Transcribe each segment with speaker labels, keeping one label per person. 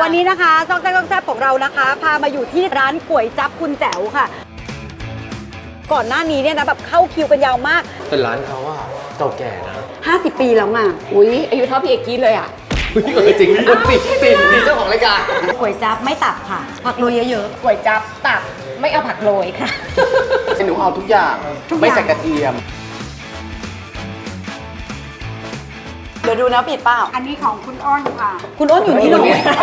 Speaker 1: วันนี้นะคะซอกแซ่บของเรานะคะพามาอยู่ที่ร้านก๋วยจั๊บคุณแจ๋วค่ะก่อนหน้านี้เนี่ยนะแบบเข้าคิวกันยาวมาก
Speaker 2: แต่ร้านเขาอะเก่าแก่นะ
Speaker 1: 50 ปีแล้วไง
Speaker 3: อุ้ยอายุเท่าพี่เอกกี้เลยอ่ะ
Speaker 2: จริงติดเจ้าของรายการ
Speaker 1: ก๋วยจั๊บไม่ตับค่ะผักโรยเยอะ
Speaker 3: ก๋วยจั๊บตับไม่เอาผักโรยค่ะ
Speaker 2: หนูเอาทุกอย่างไม่ใส่กระเทียม
Speaker 1: เดี๋ยวดูนะปิดเปล่า
Speaker 3: อันนี้ของคุณอ้นค่ะ
Speaker 1: คุณอ้นอยู่นี่หนู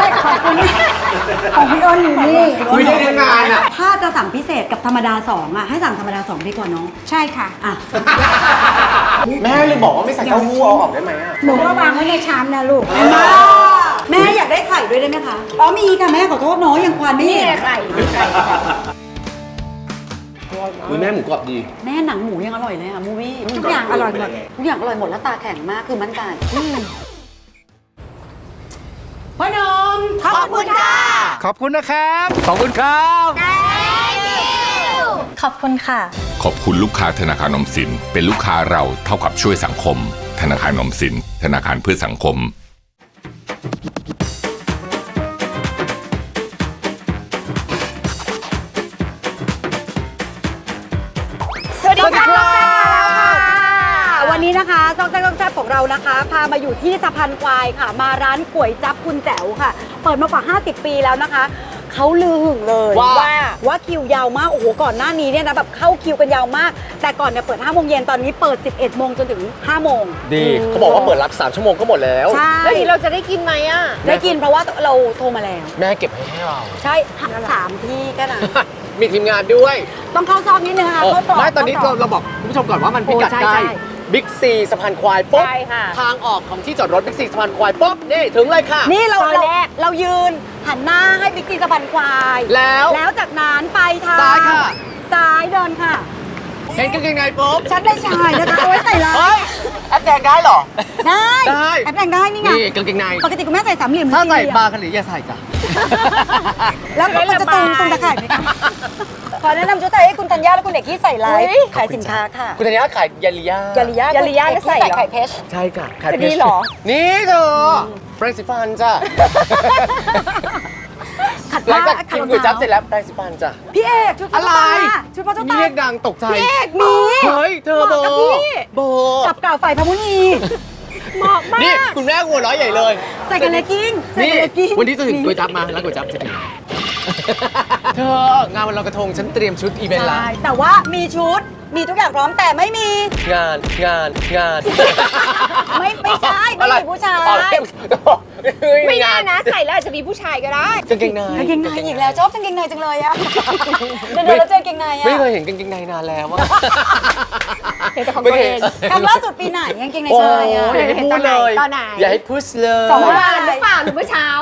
Speaker 1: ของคุณอ้นอยู่นี่
Speaker 2: คุยได้งานอะ
Speaker 1: ถ้าจะสั่งพิเศษกับธรรมดา2อะให้สั่งธรรมดา2ดีกว่าน้อง
Speaker 3: ใช่ค่ะ
Speaker 1: อ่ะ
Speaker 2: แม่เลยบอกว่าไม่ใส่เต้าหู้เอาออกได้ไหมอะ
Speaker 3: หนูก็วางไว้ในชามนะลูก
Speaker 1: แม่อยากได้ไข่ด้วยได้ไหมคะอ๋อมีค่ะแม่ขอโทษน้องยังควานไม่เห็น
Speaker 3: ไข่
Speaker 2: แม่หมูกรอบดี
Speaker 1: แม่หนังหมูยังอร่อยเลยค่ะมูวี่
Speaker 3: ทุกอย่างอร่อยหมด
Speaker 1: ทุกอย่างอร่อยหมดแล้วตาแข็งมากคือมั่นใจพ่อหนุ่มขอบคุณค่ะ
Speaker 2: ขอบคุณนะครับขอบคุณครับ
Speaker 4: ขอบคุณค่ะ
Speaker 5: ขอบคุณลูกค้าธนาคารออมสินเป็นลูกค้าเราเท่ากับช่วยสังคมธนาคารออมสินธนาคารเพื่อสังคม
Speaker 1: สวัสดีค่ะวันนี้นะคะซอกแซ่บของเรานะคะพามาอยู่ที่สะพานควายค่ะมาร้านก๋วยจั๊บคุณแจ๋วค่ะเปิดมากว่า50 ปีแล้วนะคะเขาลือหึงเลยว่าคิวยาวมากโอ้โหก่อนหน้านี้เนี่ยนะแบบเข้าคิวกันยาวมากแต่ก่อนเนี่ยเปิด5 โมงเย็นตอนนี้เปิด11 โมงจนถึง5 โมง
Speaker 2: ดีเขาบอกว่าเปิดรับ3 ชั่วโมงก็หมดแล้ว
Speaker 1: ใช่
Speaker 3: แล้วทีเราจะได้กินไหมอ่ะ
Speaker 1: ได้กินเพราะว่าเราโทรมาแล้ว
Speaker 2: แม่เก็บให้เรา
Speaker 1: ใช่3 ที่แค่นั้น
Speaker 2: มีทีมงานด้วย
Speaker 1: ต้องเข้าซอกนิดนึงค่ะ
Speaker 2: ไม่ตอนนี้เราบอกคุณผู้ชมก่อนว่ามันพิกัดใกล้บิ๊กซีสะพานควายปุ๊บทางออกของที่จอดรถบิ๊กซีสะพานควายปุ๊บนี่ถึงเลยค่ะ
Speaker 1: นี่เรายืนหันหน้าให้บิ๊กซีสะพานควายแล้วจากนั้นไปทาง
Speaker 2: ซ้ายค่ะ
Speaker 1: ซ้ายเดินค่ะ
Speaker 2: เห็นกางเกงในปุ๊บ
Speaker 1: ฉันได้ชายนะคะเอาไว้ใส่ลาย
Speaker 2: แอปแดงได้หรอ
Speaker 1: ได้แอปแดงได้นี่ไง
Speaker 2: นี่กางเกงใน
Speaker 1: ปกติคุณแม่ใส่3 เหลี่ยม
Speaker 2: ถ้าใส่บาร์กันหรืออย่าใส่จ้ะ
Speaker 1: แล้วมันจะตุงตะข่ายไหมคะขอแนะนำชุดไทยให้คุณธัญญาและคุณเอกที่ใส่ไลฟ์ขายสินค้าค่ะ
Speaker 2: คุณธัญญาขายยาลิยา
Speaker 1: ใส่ไข่เพชร
Speaker 2: ใช่ค่ะไข่เพชร
Speaker 1: นี่หรอ
Speaker 2: นี่เธอแปรงสีฟันจ้ะหลังจากกินก๋วยจั๊บเสร็จแล้วแปรงสีฟันจ้ะ
Speaker 1: พี่เอกชุด
Speaker 2: อะไร
Speaker 1: ชุดพ่อเจ้าตา
Speaker 2: เรียกดังตกใจ
Speaker 1: พี่เอกมี
Speaker 2: เฮ้ยเธอโบ
Speaker 1: กับเก่าฝ่ายพมุนี
Speaker 3: เหมาะมาก
Speaker 2: นี่คุณแม่หัวร้อยใหญ่เลย
Speaker 1: ใส่กันเลกิ้ง
Speaker 2: นี่วันนี้จะถึงก๋วยจั๊บมาแล้วก๋วยจั๊บจะถึงเธองานวันลอยกระทงฉันเตรียมชุดอีเวนต์ละ
Speaker 1: แต่ว่ามีชุดมีทุกอย่างพร้อมแต่ไม่มี
Speaker 2: งาน
Speaker 1: ไม่ใช่ไม่มีผู้ชาย
Speaker 3: ไม่แน่นะใส่แล้วอาจจะมีผู้ชายก็ได้
Speaker 2: กางเกงใน
Speaker 1: อีกแล้วชอบกางเกงในจังเลยอะเดินแล้วเจอกางเกงในอะ
Speaker 2: ไม่เคยเห็นกางเกงในนานแล้วอะ
Speaker 3: เห็นแต่ของตัวเอง
Speaker 1: ครั้งล่าสุดปีไหนกางเกงในชายอะ
Speaker 2: อย่าให้พูดเลยอย่าให้พูดเลย
Speaker 3: 2 วันหรือเปล่าหรือเมื่อเช้า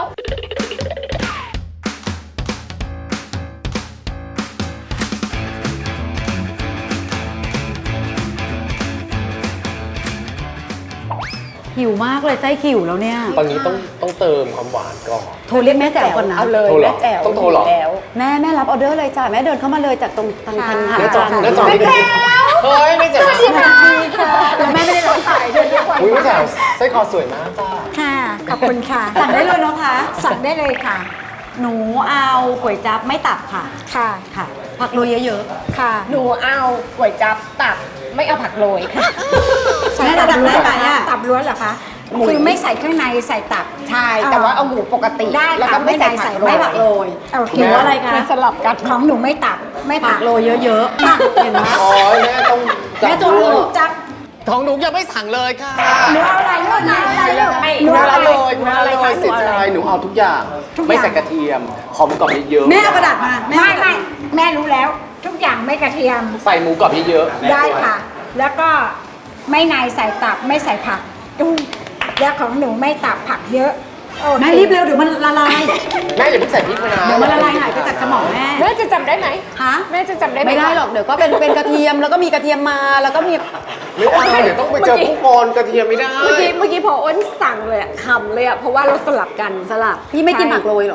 Speaker 1: หิวมากเลยไส้หิวแล้วเนี่ย
Speaker 2: ตอนนี้ต้องเติมความหวานก่อน
Speaker 1: โทรเรียกแม่แจ๋วก่อนนะ
Speaker 3: เอาเลยแม่แจ๋ว
Speaker 2: ต้องโทรหรอ
Speaker 1: แม่รับออเดอร์เลยจ้ะแม่เดินเข้ามาเลยจากตรงทางหา
Speaker 2: จอแม่แจ๋วเฮ้ยแม่แจ๋ว
Speaker 1: สวัสดีค่ะแล้วแม่ไม่ได้รับสายเดินเรียกวัน
Speaker 2: แม่แจ๋วไส้คอสวยมากจ้า
Speaker 3: ค่ะขอบคุณค่ะ
Speaker 1: สั่งได้เลยเนาะคะ
Speaker 3: สั่งได้เลยค่ะ
Speaker 1: หนูเอาก๋วยจั๊บไม่ตับค่ะค่ะผักโรยเยอะ
Speaker 3: ๆค่ะหนูเอาก๋วยจั๊บตับไม่เอาผักโรยค่ะ
Speaker 1: แม่จะทำได้ไหมอะ
Speaker 3: ตับล้วนเหรอคะคือไม่ใส่ข้างในใส่ตับ
Speaker 1: ใช่
Speaker 3: แต่ว่าเอาหมูปกติ
Speaker 1: ได้
Speaker 3: แล้วก็ไม่ใส่ผักโรย
Speaker 1: หนูอะไรคะ
Speaker 3: สลับกันของหนูไม่ตับไม่ผัก
Speaker 1: โรยเยอะๆเห็นไหม
Speaker 2: อ๋อแม่ต้อง
Speaker 1: แม่จดเลย
Speaker 3: จั๊บ
Speaker 2: ของหนูยังไม่สั่งเลยค่ะ
Speaker 3: หนูเอาอะไรลูก
Speaker 2: หนูเอาเลยเสียใจหนูเอาทุกอย่างไม่ใส่กระเทียมขอหมูกรอบเยอะ
Speaker 1: แม่เอากระดาษมา
Speaker 3: ไม่แม่รู้แล้วทุกอย่างไม่กระเทียม
Speaker 2: ใส่หมูกรอบเยอะ
Speaker 3: ได้ค่ะแล้วก็ไม่ในใส่ตับไม่ใส่ผักแล้วของหนูไม่ตับผักเยอะ
Speaker 1: แม่รีบเร็วเดี๋ยวมันละลาย
Speaker 2: แม่อย่าเพิ่งใส่พริกนะ
Speaker 1: เดี๋ยวมันละลายหายไปจากสมอง
Speaker 3: แม่จะจำได้ไหม
Speaker 1: ฮะ
Speaker 3: แม่จะจำได้
Speaker 1: ไม่ได้หรอกเดี๋ยวก็เป็นกระเทียมแล้วก็มีกระเทียมมาแล้วก็มี
Speaker 2: ไม่ได้เดี๋ยวต้องไปเจอผู้กรกระเทียมไม่ได้
Speaker 3: เมื่อกี้พออ้นสั่งเลยคำเลยเพราะว่าเราสลับกัน
Speaker 1: สลับพี่ไม่กินผักโรยหรอ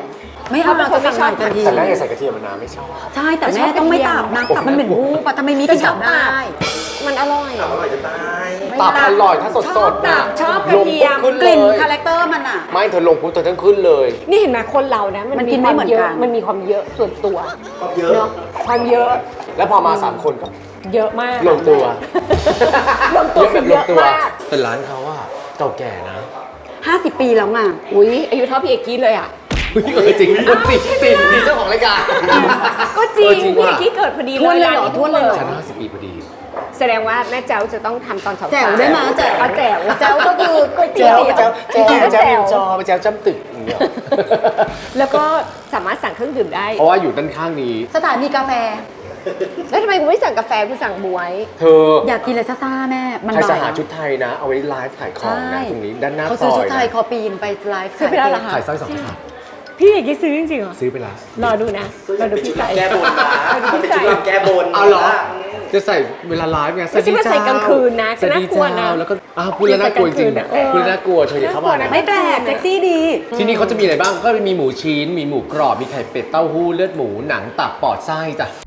Speaker 1: ไม่เอาเราจะสั่งใหม่ทันที
Speaker 2: แต่แม่อย่าใส่กระเทียมนะไม่ชอบ
Speaker 1: ใช่แต่แม่ต้องไม่ตับนะตับมันเหม็นวูบอะทำไมมีกินตับได้
Speaker 4: มันอร่อย
Speaker 2: ตับอร่อยถ้าสดๆนะ
Speaker 4: ชอบกระเทียม
Speaker 2: ขึ้น
Speaker 1: ก
Speaker 2: เล
Speaker 1: ลิ่น
Speaker 2: ย
Speaker 1: คาแรคเตอร์มันอะ
Speaker 2: ไม่เธอลงปุ๊บเธอต้องขึ้นเลย
Speaker 4: นี่เห็นไหมคนเรานะ
Speaker 1: มันกินไม่เหมือนกัน
Speaker 4: มันมีความเยอะส่วนตัวเนาะความเยอะ
Speaker 2: แล้วพอมา3คนก็
Speaker 4: เยอะมาก
Speaker 2: ลงตัว
Speaker 4: ลงตัวคือเยอะมาก
Speaker 2: แต่ร้านเขาอะเก่าแก่นะ
Speaker 1: 50 ปีแล้วไง
Speaker 4: อุ้ยอายุเท่าพี่เอกกี้เลยอ่ะ
Speaker 2: จริงติดเจ้าของรายการ
Speaker 4: ก็จริง
Speaker 2: จริง
Speaker 4: พี่เอ
Speaker 2: ว่ะ
Speaker 4: กกี้เกิดพอดี
Speaker 1: ทวนเลยเหรอ
Speaker 4: ร้า
Speaker 1: ทวนเลยเหรอ
Speaker 2: ฉัน50 ปีพอดี
Speaker 4: แสดงว่าแม่แจ๋วจะต้องทำตอนสาวๆ
Speaker 1: แจ๋วได้ไหมแจ๋ว
Speaker 4: เอาแจ๋ว
Speaker 1: แจ๋วก็คือก๋วยเตี๋
Speaker 2: แจ้
Speaker 1: ยว
Speaker 2: วแจ้วจอไปแจ้วจ้ำตึกอย่างเงี้ย
Speaker 4: แล้วก็สามารถสั่งเครื่องดื่มได้
Speaker 2: เพราะว่าอยู่ด้านข้างนี้
Speaker 1: สถานีกาแฟ
Speaker 4: แล้วทำไมคุณไม่สั่งกาแฟคุณสั่งบวย
Speaker 2: เธอ
Speaker 1: อยากกินอะไรซ่าๆแม่ มัน
Speaker 2: ใครจะ
Speaker 1: บ่าย
Speaker 2: หาชุดไทยนะ เอาไว้ไลฟ์ขายของนะตรงนี้ด้านหน้า
Speaker 1: เขา
Speaker 2: ซ
Speaker 1: ซื้อ
Speaker 2: อ
Speaker 1: ชุ
Speaker 2: ย
Speaker 1: ดไทย
Speaker 2: นะ
Speaker 1: คอปีนไปไลฟ์
Speaker 4: ซื้อไปแล้วเหรอคะ
Speaker 2: ขายสร้อย2 บาท
Speaker 4: พี่เอกกี้ซื้อจริงๆเหรอ
Speaker 2: ซื้อไปแล้ว
Speaker 4: รอดูนะรอดูพี่ใส่
Speaker 6: แก้บนนะ
Speaker 4: รอดู
Speaker 6: มัน
Speaker 4: พี่
Speaker 6: เป็น
Speaker 4: ใส่
Speaker 6: ชุดรำแก้บน
Speaker 2: เอาเหรอ จะใส่เวลาไลฟ์ไง
Speaker 4: ไม่ใช่ว่าใส่กลางคืนนะ
Speaker 2: สวัสดี
Speaker 4: น่ากลัวนะ
Speaker 2: เจ้าแล้วก็อ้าวพูดแล้วน่ากลัวจริง
Speaker 4: ใส่กลางคืนอะเออ
Speaker 2: พูดแล้วน่ากลัวเธออย่าเข้ามา
Speaker 4: น่ากลัว
Speaker 2: นะ
Speaker 4: นะ
Speaker 1: ไม่แปลกเซ็กซี่ดี
Speaker 2: ที่นี่เขาจะมีอะไรบ้างก็มีหมูชิ้น มีหมูกรอบ มีไข่เป็ดเต้าหู้เลือดหมูหนังตับปอดไส้จ้ะ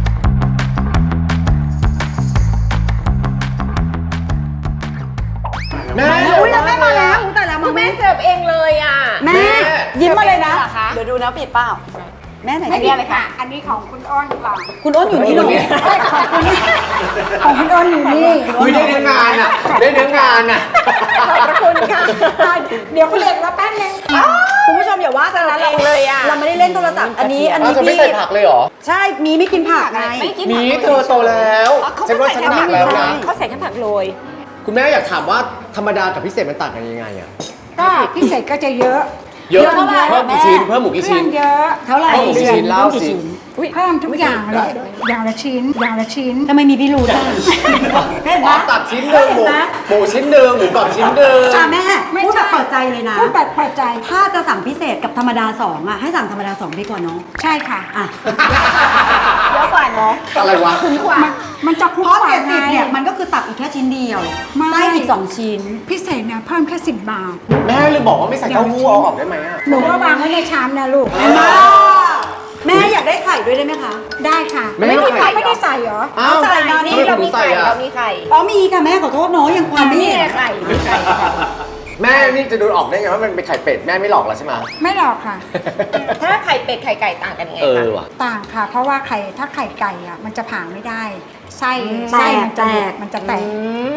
Speaker 2: แม่
Speaker 1: อุ้ยแล้วแม่มาแล้วแต่แล้ว
Speaker 4: คื
Speaker 1: มา
Speaker 4: อ
Speaker 1: แม่
Speaker 4: แม่เสิร์ฟเองเลยอ่ะ
Speaker 1: แม่ยิ้มมาเลยนะ
Speaker 4: เหรอคะ
Speaker 1: เดี๋ยวดูนะปิดเปล่าแม่ไหน
Speaker 3: ไม่ดีเลยค่ะ อันนี้ของคุณอ้นค่ะ
Speaker 1: คุณอ้นอยู่นี่เหรอ
Speaker 3: ของคุณอ้นอยู่นี่
Speaker 2: คุยได้เนื้องานอ่ะ ได้เนื้องานอ่ะ
Speaker 4: ขอบคุณค่ะ
Speaker 3: เดี๋ยวคุณเล็กแล้วแป๊บนึง
Speaker 1: คุณผู้ชมอย่าว่ากันนะ
Speaker 4: เองเลยอะ
Speaker 1: เราไม่ได้เล่นโทรศัพท์อันนี้
Speaker 2: อ้าวเธอไม่ใส่ผักเลยเหรอ
Speaker 1: ใช่มีไม่กินผักไง
Speaker 4: ไม่กิน
Speaker 2: มีเธอโตแล้วฉันว่าฉันหนักแล้วนะ
Speaker 4: เขาใส่แค่ผักโรย
Speaker 2: คุณแม่อยากถามว่าธรรมดากับพิเศษมันต่างกันยังไงอ่ะ
Speaker 3: ก็พิเศษก็จะเยอะ
Speaker 2: เยอะ
Speaker 1: เท่าไหร่
Speaker 2: เพิ่มกี่ชิ้นเพิ่มหมูกี่
Speaker 3: เครื่
Speaker 2: ชิ้
Speaker 3: อน งเยอะ
Speaker 1: เท่าไหร่
Speaker 2: เพิ่มกี่ชิ้นเล่าสิ
Speaker 3: เพิ่มทุกอย่างเลยอย่างละชิ้น อย่างละชิ้น
Speaker 1: ทำไมมีพี่รูดอ่ะเห็น
Speaker 2: อ๋
Speaker 1: ไหม
Speaker 2: อตัดชิ้นหนึ่งหมู
Speaker 1: เห็นไหม
Speaker 2: หมูชิ้นหนึ่งหมูกรอบชิ้นหนึ่ง
Speaker 1: อ่ะแม่
Speaker 3: ไม่
Speaker 1: พูด
Speaker 3: ใช่
Speaker 1: แบบเปิดใจเลยนะ
Speaker 3: พูดแบบเปิดใจ
Speaker 1: ถ้าจะสั่งพิเศษกับธรรมดา2อ่ะให้สั่งธรรมดา2ดีกว่าเนาะ
Speaker 3: ใช่ค่ะ
Speaker 1: อ่ะ
Speaker 4: เยอะกว่าเนาะ
Speaker 2: อะไรวะ
Speaker 3: มันจะคุ้ม
Speaker 1: เพราะ
Speaker 3: กว่า
Speaker 1: 70
Speaker 3: ไง
Speaker 1: เนี่ยมันก็คือตับอีกแค่ชิ้นเดียว
Speaker 3: ไม่
Speaker 1: ไส้อีก2ชิ้น
Speaker 3: พิเศษเนี่ยเพิ่มแค่10 บาท
Speaker 2: แม่เลยบอกว่าไม่ใส่เต้าหู้เอาออกได้ไหมอ่ะ
Speaker 3: หนูก็วางไว้ในชามนะลูก
Speaker 1: เห็นไหมแม่อยากได้ไข่ด้วยได้ไหมคะ
Speaker 3: ได้ค่ะ
Speaker 2: ไม่ให้ไข่
Speaker 3: ไม่ได้ใส่เหรอ
Speaker 2: อ้าว
Speaker 1: ใส่มานี่
Speaker 2: ทำไม
Speaker 4: เรา
Speaker 2: หนู
Speaker 4: มี
Speaker 2: ใส่
Speaker 4: ไข่
Speaker 2: อ่ะ
Speaker 4: เรามีไข่
Speaker 1: อ๋อมีค่ะแม่ขอโทษเนาะยังความไม่
Speaker 4: นี่
Speaker 1: เห็น
Speaker 4: ไข่
Speaker 2: แม่นี่จะดูออกได้ไงว่ามันเป็นไข่เป็ดแม่ไม่หลอกแล้วใช่ไหม
Speaker 3: ไม่หรอกค่ะ
Speaker 4: ถ้าไข่เป็ดไข่ไก่ต่างกันยังไง
Speaker 2: เออ
Speaker 4: คะ
Speaker 2: ว่ะ
Speaker 3: ต่างค่ะ เพราะว่าถ้าไข่ไก่อ่ะมันจะผ่าไม่ได้ ไส้
Speaker 1: แต
Speaker 3: ไส้
Speaker 1: ก
Speaker 3: มันจะหลุดมันจะแตก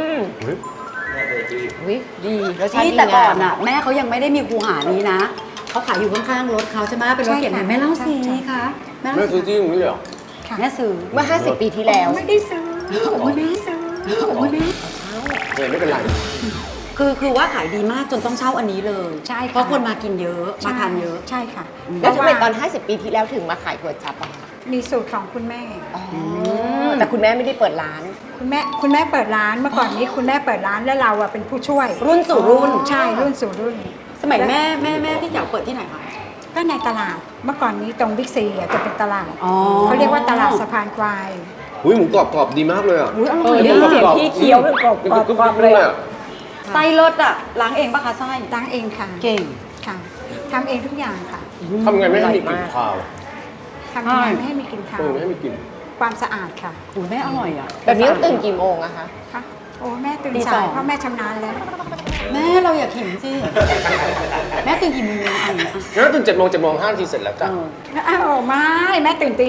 Speaker 4: วิดีรสชาติ
Speaker 1: ที่
Speaker 4: ดี
Speaker 1: แต่ก่อน
Speaker 4: งาม
Speaker 1: อ่ะแม่เขายังไม่ได้มีคูหานี้นะเขาขายอยู่ข้างๆรถเขาใช่ไหมเป็นรถเก็บเงินแม่เล่าสิคะแม่
Speaker 2: แม่
Speaker 1: เล่า
Speaker 2: ซื้
Speaker 1: สิ
Speaker 2: อที่ตรงนี้เลยเหรอ
Speaker 3: ค่ะ
Speaker 1: แม่ซื้อ
Speaker 4: เมื่อ 50 ปีที่แล้ว
Speaker 3: ไม่ได้ซื้อ
Speaker 1: โอ้ยแม่ซื้อโอ้ยแม่
Speaker 2: เออไม่เป็นไร
Speaker 1: คือว่าขายดีมากจนต้องเช่าอันนี้เลย
Speaker 3: ใช่ค่ะ
Speaker 1: เพราะคนมากินเยอะมาทานเยอะ
Speaker 3: ใช่ค่ะ
Speaker 4: แล้วทำไมตอน
Speaker 3: เพราะว่า
Speaker 4: 50 ปีที่แล้วถึงมาขายก๋วยจั๊บอะคะ
Speaker 3: มีสูตรของคุณแม่
Speaker 4: แต่คุณแม่ไม่ได้เปิดร้าน
Speaker 3: คุณแม่เปิดร้านเมื่อก่อนนี้คุณแม่เปิดร้านแล้วเราอะเป็นผู้ช่วย
Speaker 1: รุ่นสู่รุ่น
Speaker 3: ใช่รุ่นสู่รุ่น
Speaker 1: สมัยแม่พี่แจ๋วเปิดที่ไหนคะ
Speaker 3: ก็ในตลาดเมื่อก่อนนี้ตรงบิ๊กซีอะจะเป็นตลาด
Speaker 1: อ๋อ
Speaker 3: เขาเรียกว่าตลาดสะพานควาย
Speaker 2: อุ้ยหมูกรอบดีมากเลยอ่ะ
Speaker 1: อุ้ยอร่
Speaker 4: เอ
Speaker 1: อย
Speaker 4: อได้ยินเสียงพี่เคี้ยวเป็นกรอบกรอบเลย
Speaker 2: อ่ะ
Speaker 1: ไส้รสอ่ะล้างเองปะคะไส้
Speaker 3: ล้างเองค่ะ
Speaker 1: เก่ง
Speaker 3: ค่ะทำเองทุกอย่างค่ะ
Speaker 2: ทำไงไม่ให้มีกลิ่นคาว
Speaker 3: ทำยังไงไม่ให้มีกลิ่นคาว
Speaker 2: ไม่ให้มีกลิ่น
Speaker 3: ความสะอาดค่ะ
Speaker 1: อุ้ยแม่อร่อยอ่ะ
Speaker 4: แบบนี้ต้องตื่นกี่โมงอะคะ
Speaker 3: ค่ะโอ้แม่ตื่น
Speaker 1: ตีส
Speaker 3: สา
Speaker 1: อย ง
Speaker 3: เพราะแม่ชำนาญแล้ว
Speaker 1: แม่เราอยากเห็นสิแม่ตื่นกี่โมงอ่ะ
Speaker 2: งั้นตื่น7 โมง5 นาทีเสร็จแล้วจ้ะ
Speaker 3: อ้าวไม่แม่ตื่นตี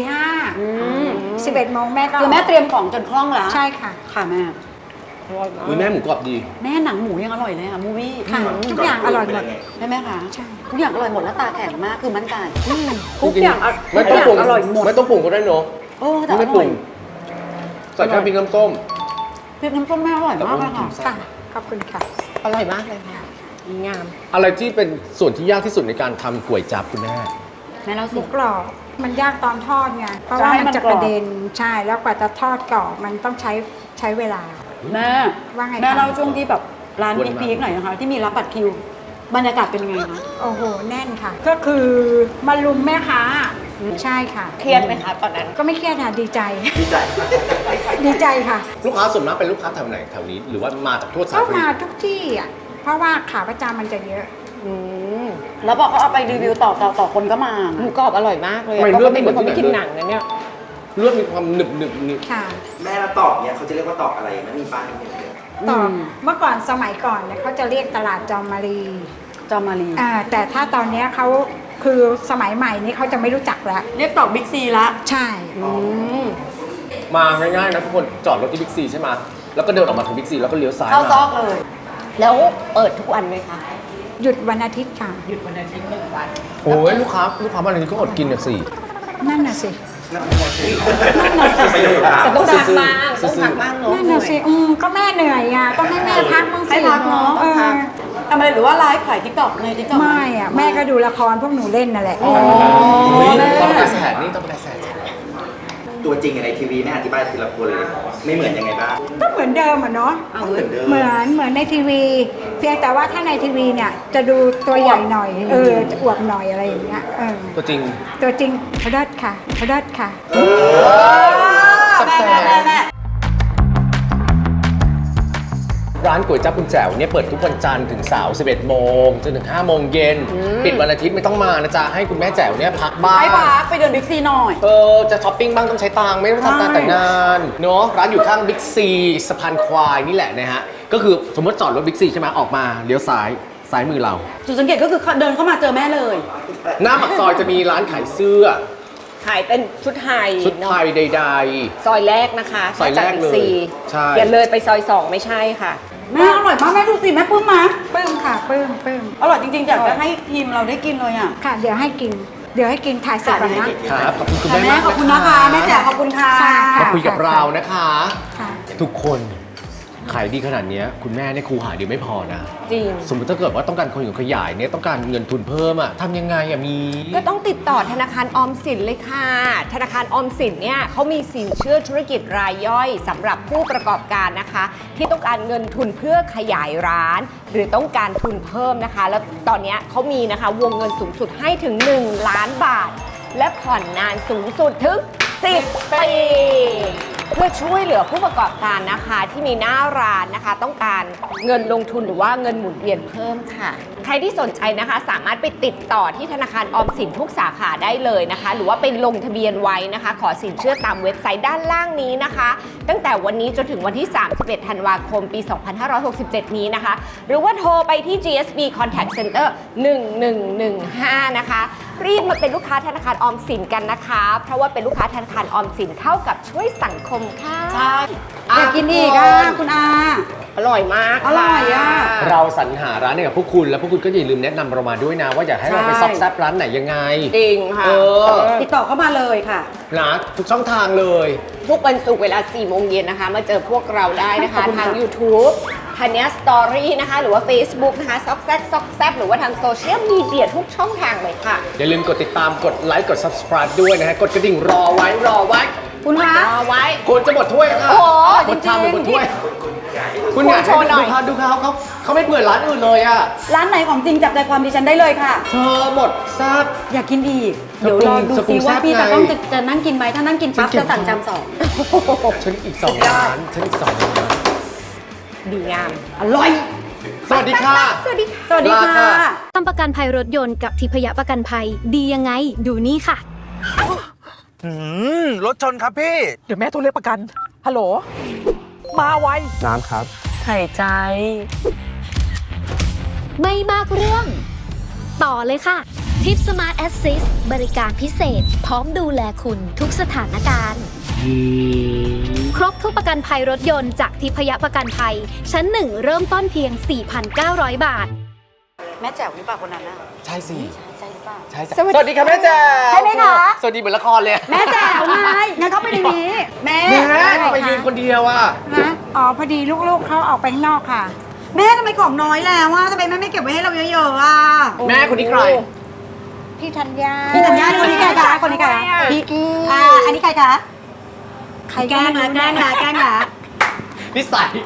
Speaker 3: 11 โมงแม่ก็
Speaker 1: คือแม่เตรียมของจนคล่องแล้ว
Speaker 3: ใช่ค่ะ
Speaker 1: ค่ะแม่
Speaker 2: อุ้ยแม่หมูกรอบดี
Speaker 1: แม่หนังหมูยังอร่อยเลยอ่ะมูวี่
Speaker 3: ค่ะ ทุกอย่างอร่อยหมด
Speaker 1: ใช่ไหมคะ
Speaker 3: ใช่
Speaker 1: ทุกอย่างอร่อยหมดแล้วตาแข็งมากคือมั่นใจทุกอย่าง
Speaker 2: ไม่ต้องปรุง
Speaker 1: อร่อยหมด
Speaker 2: ไม่ต้องปรุงก็ได้เนาะ
Speaker 1: โอ้แต่อ
Speaker 2: ไม่ป
Speaker 1: ร่
Speaker 2: รุ
Speaker 1: อย
Speaker 2: งใส่แค่พริกน้ำส้ม
Speaker 1: พริกน้ำส้มแม่อร่อยมากเลยค่ะ
Speaker 3: ค่ะขอบคุณค่ะ
Speaker 4: อร่อยมากเลยค่ะดีงาม
Speaker 2: อะไรที่เป็นส่วนที่ยากที่สุดในการทำก๋วยจั๊บคุณแม่
Speaker 1: แม่เล่า
Speaker 3: ห
Speaker 1: สิ
Speaker 3: มูกรอบมันยากตอนทอดไงเพราะ
Speaker 1: จะ
Speaker 3: ว่า
Speaker 1: ให้
Speaker 3: มัน
Speaker 1: มัน
Speaker 3: จะ
Speaker 1: กรอบ
Speaker 3: กระเด็นใช่แล้วกว่าจะทอดกรอบมันต้องใช้เวลา
Speaker 1: แม่
Speaker 3: ว่าไงคะ
Speaker 1: แม่เล่าช่วงที่แบบร้าน
Speaker 2: อ้วนมาก
Speaker 1: พีคๆหน่อยนะคะที่มีรับบัตรคิว บรรยากาศเป็นไงคะ
Speaker 3: โอ้โหแน่นค่ะ ก็คือมาลุมแม่ค้าใช่ค่ะ
Speaker 4: เครียดไหมคะตอนนั้น
Speaker 3: ก็ไม่เครียดค่ะดีใจ
Speaker 6: ดีใจ
Speaker 3: ดีใจค่ะ
Speaker 2: ลูกค้าส่วนมากเป็นลูกค้าแถวไหนแถวนี้ หรือว่ามาจากทั่วสา
Speaker 3: ก็
Speaker 2: ร
Speaker 3: มาทุกที่อ่ะเพราะว่าขาประจำมันจะเยอะ
Speaker 4: อืม
Speaker 1: แล้วบอกเขาเอาไปรีวิวต่อคนก็มา
Speaker 4: หมูกรอบอร่อยมากเลย
Speaker 2: ทำไม
Speaker 4: ป
Speaker 2: เลื
Speaker 4: ก
Speaker 2: อดไม่
Speaker 4: ติ
Speaker 2: เหมื
Speaker 4: เป็
Speaker 2: อน
Speaker 4: นคนไม่
Speaker 2: ที่
Speaker 4: กิน
Speaker 2: ไหน
Speaker 4: หนังนะเนี่ย
Speaker 2: เลือดมีความหนึบนี่
Speaker 3: ค่ะ
Speaker 6: แม่ละตอกเนี่ยเขาจะเรียกว่าตอกอะไรนะมีป้ายไหม
Speaker 3: ต่อเมื่อก่อนสมัยก่อนเนี่ยเขาจะเรียกตลาดจอมมารี
Speaker 1: จอมมารี
Speaker 3: แต่ถ้าตอนเนี้ยเขาคือสมัยใหม่นี้เขาจะไม่รู้จักแล้ว
Speaker 1: เรียกตอกบิ๊กซีละ
Speaker 3: ใช่
Speaker 2: มาง่ายๆนะทุกคนจอดรถที่บิ๊กซีใช่ไหมแล้วก็เดินออกมาถึงบิ๊กซีแล้วก็เลี้ยวซ้าย
Speaker 1: เข้าซอก
Speaker 2: มา
Speaker 1: เลย
Speaker 4: แล้วเปิดทุกวันไหมคะ
Speaker 3: หยุดวันอาทิตย์ค่ะ
Speaker 4: หยุดวันอาทิตย์1 วัน
Speaker 2: โอ้ยลูกค้ามาอะไรนี้ก็อดกินเนี่ยสิ
Speaker 3: นั่นน่ะสิ
Speaker 4: แต่ต้องพักบ้างต้องพักบ้างเนาะ
Speaker 3: นั่นน่ะสิก็แม่เหนื่อยอ่ะต้องให้แม่พักบ้างสิ
Speaker 1: ให้พักเนาะ
Speaker 3: ออ
Speaker 1: ทำอะไรหรือว่าไลฟ์ขายทิกตอกในทิกตอก
Speaker 3: ไม่อ่ะแม่ก็ดูละครพวกหนูเล่นนั่นแหละ
Speaker 2: โอ้ยต้องไปแสนนี่ต้องไปแสน
Speaker 6: ตัวจริงในทีวีแม่อธิบายทีละคนเลยไม่เหมือนยังไงบ้าง
Speaker 3: ก็เหมือนเดิมอ่ะเนาะ
Speaker 6: เหมือนเดิม
Speaker 3: เหมือนในทีวี เพียงแต่ว่าถ้าในทีวีเนี่ยจะดูตัวใหญ่หน่อยจะอวบหน่อยอะไรอย่างเงี้ย
Speaker 2: ตัวจริง
Speaker 3: ตัวจริงเลิศค่ะเลิศค่ะ
Speaker 2: แซ่บ
Speaker 1: แม่
Speaker 2: ร้านก๋วยจั๊บคุณแจ๋วเนี่ยเปิดทุกวันจันทร์ถึงเสาร์ 11 โมงจนถึง 5 โมงเย็น ปิดวันอาทิตย์ไม่ต้องมานะจ๊ะ ให้คุณแม่แจ๋วเนี่ยพักบ้าง
Speaker 1: ให้พักไปเดินบิ๊กซีหน่อย
Speaker 2: จะช้อปปิ้งบ้างต้องใช้ตังค์ไม่ต้องทำงานแต่งงานเนาะร้านอยู่ข้างบิ๊กซีสะพานควายนี่แหละนะฮะ ก็คือสมมติจอดรถบิ๊กซีใช่ไหมออกมาเลี้ยวซ้ายมือเรา
Speaker 1: จุดสังเกตก็คือเดินเข้ามาเจอแม่เลย
Speaker 2: หน้าปากซอยจะมีร้านขายเสื้อ
Speaker 4: ขายเป็นชุดไทย
Speaker 2: ชุดไทยใด
Speaker 4: ซอยแรกนะคะ
Speaker 2: ซอยแรกเลย
Speaker 4: จากบิ๊
Speaker 2: ใช่
Speaker 4: อย่าเลยไปซอย 2 ไม่ใช่ค่ะ
Speaker 1: แม่อร่อยมากแม่ดูสิแม่ปลื้มมา
Speaker 3: ปลื้มค่ะปลื้ม
Speaker 1: อร่อยจริงๆอยากจะให้ทีมเราได้กินเลยอ่ะ
Speaker 3: ค่ะ เดี๋ยวให้กินถ่ายเสร็จก่อนนะ
Speaker 2: ครับขอบคุณคุณ
Speaker 1: ค่ะ
Speaker 2: แม่
Speaker 1: แม่
Speaker 2: มาก
Speaker 1: ขอบคุณนะคะแม่แจ๋วขอบคุณค่ะ
Speaker 3: ค่ะ
Speaker 2: มาคุยกับเรานะคะ
Speaker 3: ค่ะ
Speaker 2: ทุกคนขายดีขนาดเนี้ยคุณแม่เนี่ยครูหาเดียวไม่พอนะ
Speaker 4: จริง
Speaker 2: สมมติถ้าเกิดว่าต้องการคนอยู่ขยายเนี่ยต้องการเงินทุนเพิ่มอะทำยังไงอะมี
Speaker 4: ก็ต้องติดต่อธนาคารออมสินเลยค่ะ ธนาคารออมสินเนี่ยเขามีสินเชื่อธุรกิจรายย่อยสำหรับผู้ประกอบการนะคะ ที่ต้องการเงินทุนเพื่อขยายร้าน หรือต้องการทุนเพิ่มนะคะ แล้วตอนเนี้ยเขามีนะคะวงเงินสูงสุดให้ถึง 1 ล้านบาท และผ่อนนานสูงสุดถึง 10 ปี เพื่อช่วยเหลือผู้ประกอบการนะคะที่มีหน้าร้านนะคะ ต้องการเงินลงทุนหรือว่าเงินหมุนเวียนเพิ่มค่ะ ใครที่สนใจนะคะสามารถไปติดต่อที่ธนาคารออมสินทุกสาขาได้เลยนะคะ หรือว่าไปลงทะเบียนไว้นะคะ ขอสินเชื่อตามเว็บไซต์ด้านล่างนี้นะคะ ตั้งแต่วันนี้จนถึงวันที่ 31 ธันวาคม ปี 2567 นี้นะคะ หรือว่าโทรไปที่ GSB Contact Center 1115 นะคะ รีบมาเป็นลูกค้าธนาคารออมสินกันนะคะ เพราะว่าเป็นลูกค้าธนาคารออมสินเท่ากับช่วยสังคมค่ะ
Speaker 1: ใช่อยากกินอีกอ่ะคุณอา
Speaker 4: อร่อยมาก
Speaker 1: อร่อยอะ
Speaker 2: เราสรรหาร้านให้กับพวกคุณแล้วพวกคุณก็อย่าลืมแนะนำเรามาด้วยนะ ว่าอยากให้เราไป
Speaker 1: ใช่
Speaker 2: ซอกแซบร้านไหนยังไง
Speaker 4: จริงค่ะ
Speaker 1: ติดต่อเข้ามาเลยค่ะ
Speaker 2: นะทุกช่องทางเลย
Speaker 4: ทุกวันศุกร์เวลา 4 โมงเย็นนะคะ มาเจอพวกเราได้นะคะ
Speaker 1: ขอบคุณค่ะ
Speaker 4: ทาง YouTube ทันเนี้ยสตอรี่นะคะ หรือว่า Facebook นะคะซอกแซกหรือว่าทางโซเชียลมีเดียทุกช่องทางเลยค่ะ
Speaker 2: อย่าลืมกดติดตามกดไลค์กด subscribe ด้วยนะฮะกดกระดิ่งรอไว้
Speaker 1: คุณคะ
Speaker 4: รอไว้
Speaker 2: คุณจะหมดถ้วยค่ะ
Speaker 4: โอ้โห
Speaker 2: หมดชามหรือหมด
Speaker 1: จริงๆ
Speaker 2: ถ้วย คุณอยาก
Speaker 4: โชว์หน่อย
Speaker 2: ดูเขาไม่เปิดร้านอื่นเลยอะ
Speaker 1: ร้านไหนของจริงจับใจความดิฉันได้เลยค่ะ
Speaker 2: เธอหมดแซ่บ
Speaker 1: อยากกินอีก เดี๋ยวรอดู
Speaker 2: สปรุ
Speaker 1: ซิ
Speaker 2: ง
Speaker 1: ว่า
Speaker 2: แซ่บ
Speaker 1: พี่
Speaker 2: ไง
Speaker 1: ตากล้องจะนั่งกินไหมถ้านั่งกินปั๊บ
Speaker 2: ฉันกิน
Speaker 1: จะสั่งจานสอง
Speaker 2: ฉันอีก2ร้านฉันอีก2ร้าน
Speaker 4: ดีงาม
Speaker 1: อร่อย
Speaker 2: สวัสดีค่ะ
Speaker 4: สวัสดีค่ะ
Speaker 1: สวัสดี
Speaker 2: ลา
Speaker 1: ค่ะ
Speaker 2: ค่ะ
Speaker 7: ทำประกันภัยรถยนต์กับทิพยประกันภัยดียังไง ดูนี่ค่ะ
Speaker 8: รถชนครับพี่ เดี๋ยวแม่โทรเรียกประกัน ฮัลโหล มาไว
Speaker 9: น้ำครับ
Speaker 4: หายใจ
Speaker 7: ไม่มากเรื่อง ต่อเลยค่ะ ทิป Smart Assist บริการพิเศษ พร้อมดูแลคุณทุกสถานการณ์ ครบทุกประกันภัยรถยนต์จากทิพยประกันภัย ชั้น 1 เริ่มต้นเพียง 4,900 บาท
Speaker 1: แม่แจ๋วหรือเปล่าคนนั้นน่ะ
Speaker 2: ใช่สิ
Speaker 1: ใช่หรือเปล่า
Speaker 2: ใช่จ้ะสวัสดีค่ะแม่แจ๋ว
Speaker 1: ใช่ไหมคะ
Speaker 2: สวัสดีเหมือนละครเลย
Speaker 1: แม่แจ๋วไงงั้นเข้าไปในนี้ แม่
Speaker 2: แม่ทำไมยืนคนเดียวอ่ะ
Speaker 3: นะพอดีลูกๆเขาออกไปข้างนอกค่ะ
Speaker 1: แม่ทำไมของน้อยแล้วอ่ะทำไมแม่ไม่เก็บไว้ให้เราเยอะๆอ่ะ
Speaker 2: แม่คนนี้ใคร
Speaker 3: พี่ธัญญา
Speaker 1: พี่ธัญญาคนนี้ใครคะคนนี้ใครคะพี่อันนี้ใครคะใครแกล้งละ
Speaker 2: นิสัย